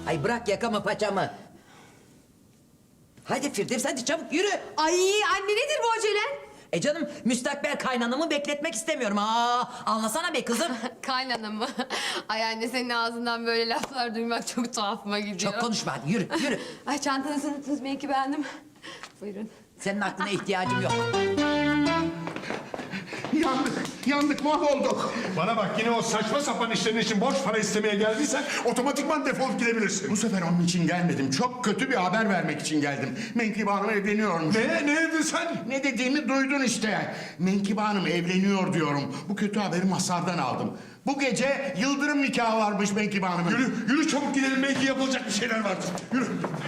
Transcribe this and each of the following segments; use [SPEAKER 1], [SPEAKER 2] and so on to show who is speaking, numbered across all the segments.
[SPEAKER 1] Ay bırak yakamı paçamı. Hadi Firdevs hadi çabuk yürü.
[SPEAKER 2] Ay anne nedir bu acelen?
[SPEAKER 1] Canım müstakbel kaynanamı bekletmek istemiyorum. Anlasana be kızım.
[SPEAKER 2] Kaynanam mı? Ay anne senin ağzından böyle laflar duymak çok tuhafıma gidiyor.
[SPEAKER 1] Çok konuşma hadi yürü yürü.
[SPEAKER 2] Ay çantanızı unuttunuz belki beğendim. Buyurun.
[SPEAKER 1] Senin aklına ihtiyacım yok.
[SPEAKER 3] Yandık, mahvolduk.
[SPEAKER 4] Bana bak, yine o saçma sapan işlerin için borç para istemeye geldiysen otomatikman defolup gidebilirsin.
[SPEAKER 3] Bu sefer onun için gelmedim. Çok kötü bir haber vermek için geldim. Menkıbe Hanım evleniyormuş.
[SPEAKER 4] Ne dedin sen?
[SPEAKER 3] Ne dediğimi duydun işte. Menkıbe Hanım evleniyor diyorum. Bu kötü haberi Mazhar'dan aldım. Bu gece yıldırım nikahı varmış Menkıbe Hanım'ın.
[SPEAKER 4] Yürü çabuk gidelim, belki yapılacak bir şeyler vardır. Yürü.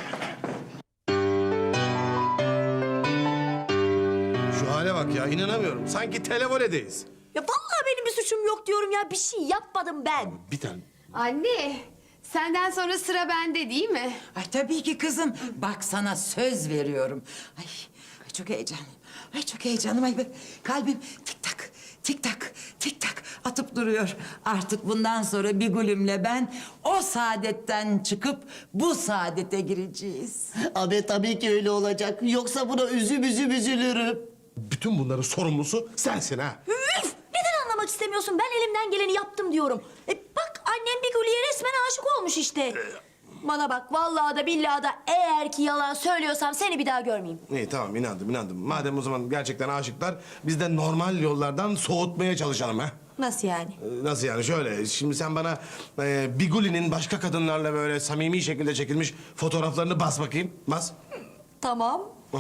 [SPEAKER 5] Şu hale bak ya, inanamıyorum. Sanki televoledeyiz.
[SPEAKER 6] Ya vallahi benim bir suçum yok diyorum ya. Bir şey yapmadım ben.
[SPEAKER 5] Bir tane.
[SPEAKER 2] Anne senden sonra sıra bende değil mi?
[SPEAKER 1] Ay tabii ki kızım. Bak sana söz veriyorum. Ay, çok heyecanlıyım. Ay çok heyecanlıyım. Ay kalbim tik tak tik tak tik tak atıp duruyor. Artık bundan sonra Bigül'ümle ben o saadetten çıkıp bu saadete gireceğiz.
[SPEAKER 6] Abi tabii ki öyle olacak. Yoksa buna üzülürüm.
[SPEAKER 5] Bütün bunların sorumlusu sensin ha.
[SPEAKER 6] Üf! Neden anlamak istemiyorsun? Ben elimden geleni yaptım diyorum. Bak annem bir Gülü'ye resmen aşık olmuş işte. Bana bak vallahi da billahi da eğer ki yalan söylüyorsam seni bir daha görmeyeyim.
[SPEAKER 5] İyi tamam, inandım. Madem o zaman gerçekten aşıklar, biz de normal yollardan soğutmaya çalışalım ha.
[SPEAKER 6] Nasıl yani?
[SPEAKER 5] Nasıl yani? Şöyle, şimdi sen bana Biguli'nin başka kadınlarla böyle samimi şekilde çekilmiş fotoğraflarını bas bakayım. Bas.
[SPEAKER 6] Tamam.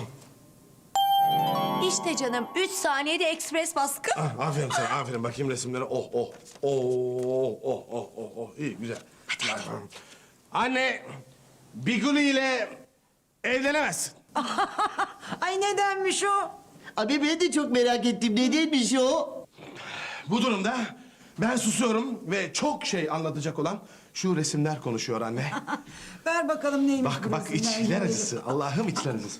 [SPEAKER 6] İşte canım 3 saniyede ekspres baskı.
[SPEAKER 5] Ah, aferin sana, aferin. Bakayım resimlere. Oh. İyi, güzel. Hadi. Anne, Biguli ile evlenemezsin.
[SPEAKER 1] Ay nedenmiş o?
[SPEAKER 6] Abi ben de çok merak ettim. Nedenmiş o?
[SPEAKER 5] Bu durumda ben susuyorum ve çok şey anlatacak olan şu resimler konuşuyor anne.
[SPEAKER 1] Ver bakalım neymiş bu
[SPEAKER 5] Bak
[SPEAKER 1] resimler?
[SPEAKER 5] içler acısı. Allah'ım içler acısı.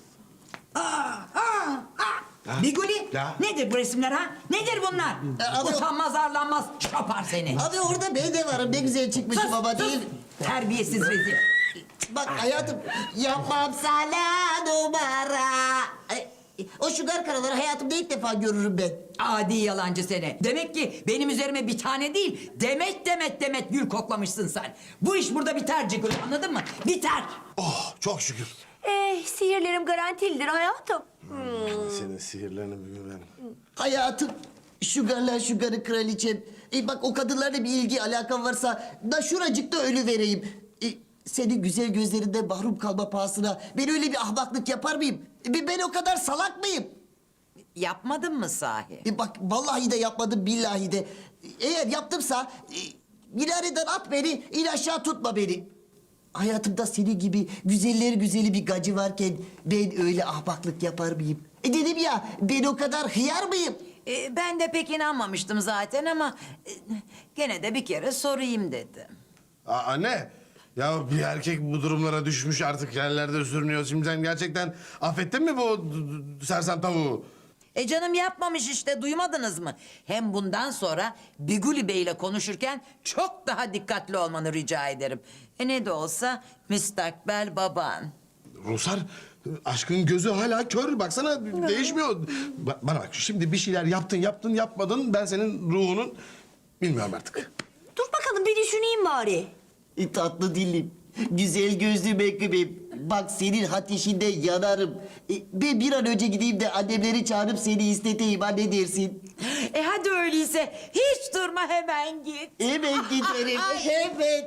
[SPEAKER 1] Biguli
[SPEAKER 5] Ya.
[SPEAKER 1] nedir bu resimler ha? Nedir bunlar? Utanmaz arlanmaz şapar seni.
[SPEAKER 6] Abi orada ben de varım. Ne güzel çıkmışım baba değil.
[SPEAKER 1] Terbiyesiz rezil.
[SPEAKER 6] Bak hayatım yapmam sana numara. O şugar karaları hayatımda ilk defa görürüm ben.
[SPEAKER 1] Adi yalancı seni. Demek ki benim üzerime bir tane değil, demet gül koklamışsın sen. Bu iş burada biter Cigül, anladın mı? Biter.
[SPEAKER 5] Oh, çok şükür.
[SPEAKER 6] Sihirlerim garantilidir hayatım.
[SPEAKER 5] Senin sihirlerini bir ben.
[SPEAKER 6] Hayatım, şugarı kraliçem. Bak o kadınlarla bir ilgi alakan varsa da şuracıkta ölü vereyim. Senin güzel gözlerinde mahrum kalma pahasına ben öyle bir ahmaklık yapar mıyım? Ben o kadar salak mıyım?
[SPEAKER 1] Yapmadın mı sahi?
[SPEAKER 6] Bak vallahi de yapmadım billahi de. Eğer yaptımsa minareden at beni, in aşağı tutma beni. Hayatımda senin gibi güzeller güzeli bir gacı varken ben öyle ahmaklık yapar mıyım? Dedim ya ben o kadar hıyar mıyım?
[SPEAKER 1] Ben de pek inanmamıştım zaten ama gene de bir kere sorayım dedim.
[SPEAKER 5] Anne, ya bir erkek bu durumlara düşmüş artık yerlerde sürünüyor. Şimdi sen gerçekten affettin mi bu sersem tavuğu?
[SPEAKER 1] Canım yapmamış işte, duymadınız mı? Hem bundan sonra Biguli Bey ile konuşurken çok daha dikkatli olmanı rica ederim. Ne de olsa müstakbel baban.
[SPEAKER 5] Rusar, aşkın gözü hala kör. Baksana değişmiyor. Bana bak, şimdi bir şeyler yaptın yapmadın. Ben senin ruhunun bilmiyorum artık.
[SPEAKER 6] Dur bakalım bir düşüneyim bari. Tatlı dilim, güzel gözlü mekkubim. Bak senin ateşinde yanarım. Ben bir an önce gideyim de annemleri çağırıp seni isteteyim. Ha ne dersin?
[SPEAKER 1] Hadi öyleyse hiç durma, hemen git.
[SPEAKER 6] Hemen giderim, hemen.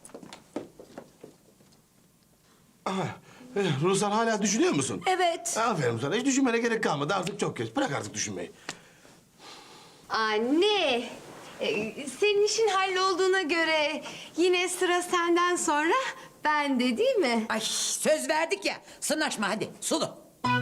[SPEAKER 5] Rusar, hala düşünüyor musun?
[SPEAKER 6] Evet.
[SPEAKER 5] Aferin sana. Hiç düşünmene gerek kalmadı. Artık çok geç. Bırak artık düşünmeyi.
[SPEAKER 2] Anne senin işin hallolduğuna göre yine sıra senden sonra bende değil mi?
[SPEAKER 1] Ay söz verdik ya, sırnaşma hadi sulu.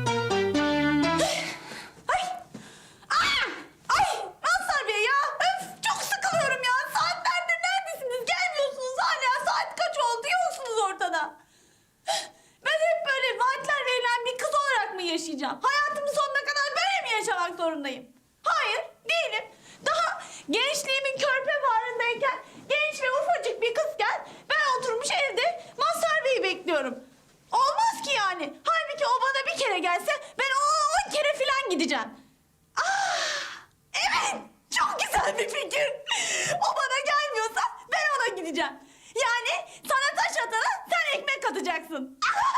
[SPEAKER 7] Mazhar Bey ya! Öf! Çok sıkılıyorum ya! Saatlerdir neredesiniz? Gelmiyorsunuz hala. Saat kaç oldu? Yoksunuz ortada. Ben hep böyle vaatler verilen bir kız olarak mı yaşayacağım? Hayatımın sonuna kadar böyle mi yaşamak zorundayım? Hayır, değilim. Daha gençliğimin körpe bağrındayken genç ve ufacık bir kızken ben oturmuş evde edeceğim. Yani sana taş atana sen ekmek atacaksın.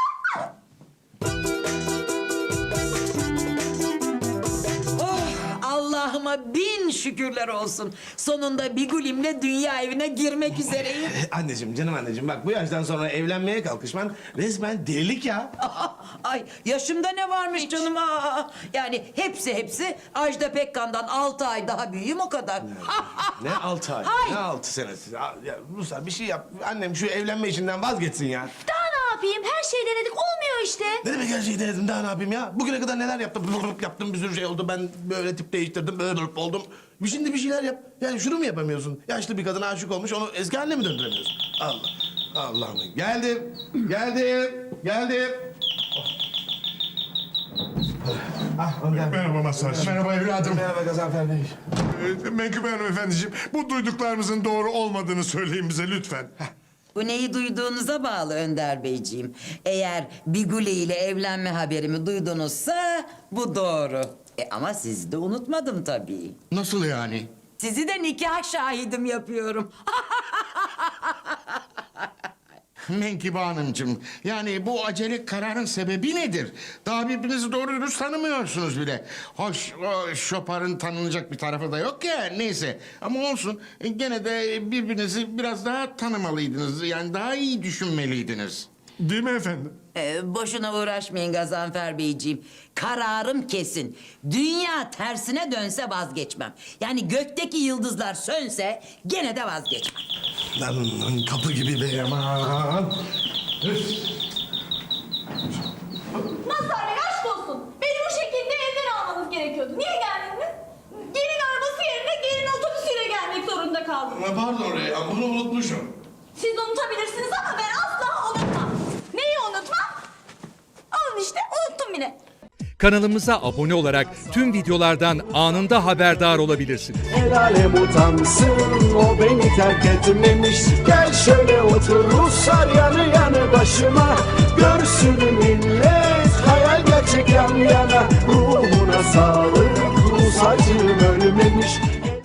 [SPEAKER 1] Oh, Allah'ıma bin şükürler olsun. Sonunda Bigulim'le dünya evine girmek üzereyim.
[SPEAKER 5] Anneciğim, canım anneciğim bak bu yaştan sonra evlenmeye kalkışman resmen delilik ya.
[SPEAKER 1] Ay yaşımda ne varmış canım? Aa, yani hepsi Ajda Pekkan'dan 6 ay daha büyüğüm o kadar.
[SPEAKER 5] Ne 6 ay,
[SPEAKER 1] Hay!
[SPEAKER 5] ne 6 senesi. Ya Ruslar bir şey yap. Annem şu evlenme işinden vazgeçsin ya.
[SPEAKER 7] Daha ne yapayım? Her şeyi denedik olmuyor işte.
[SPEAKER 5] Ne demek her şeyi denedim daha ne yapayım ya? Bugüne kadar neler yaptım? Yaptım bir sürü şey oldu. Ben böyle tip değiştirdim, böyle oldum. Şimdi bir şeyler yap. Yani şunu mu yapamıyorsun? Yaşlı bir kadına aşık olmuş, onu eski haline mi döndüremiyorsun? Allah'ım. Geldim.
[SPEAKER 4] Merhaba Mazhar'cığım.
[SPEAKER 3] Merhaba evladım.
[SPEAKER 5] Merhaba Gazanfer Bey.
[SPEAKER 4] Menkıbe hanımefendiciğim, bu duyduklarımızın doğru olmadığını söyleyin bize lütfen.
[SPEAKER 1] Bu neyi duyduğunuza bağlı Önder Beyciğim. Eğer Bigule ile evlenme haberimi duydunuzsa bu doğru. Ama sizi de unutmadım tabii.
[SPEAKER 3] Nasıl yani?
[SPEAKER 1] Sizi de nikah şahidim yapıyorum.
[SPEAKER 3] Menkibe Hanımcığım, yani bu acele kararın sebebi nedir? Daha birbirinizi doğru dürüst tanımıyorsunuz bile. Hoş, o şoparın tanınacak bir tarafı da yok ya, neyse. Ama olsun, gene de birbirinizi biraz daha tanımalıydınız. Yani daha iyi düşünmeliydiniz.
[SPEAKER 4] Değil mi efendim?
[SPEAKER 1] Boşuna uğraşmayın Gazanfer Beyciğim. Kararım kesin. Dünya tersine dönse vazgeçmem. Yani gökteki yıldızlar sönse gene de vazgeçmem.
[SPEAKER 5] Lan kapı gibi be aman.
[SPEAKER 7] Mazhar Bey aşk olsun. Beni bu şekilde evden almanız gerekiyordu. Niye geldiniz? Gelin arabası yerine gelin otobüsüyle gelmek zorunda kaldım.
[SPEAKER 5] Pardon ya, bunu unutmuşum.
[SPEAKER 7] Siz unutabilirsiniz ama ben asla unutmam. Neyi unutmam? Alın işte unuttum bile.
[SPEAKER 8] Kanalımıza abone olarak tüm videolardan anında haberdar olabilirsiniz.
[SPEAKER 9] El alem utansın, o beni terk etmemiş. Gel şöyle otur Ruslar yanı yanı başıma.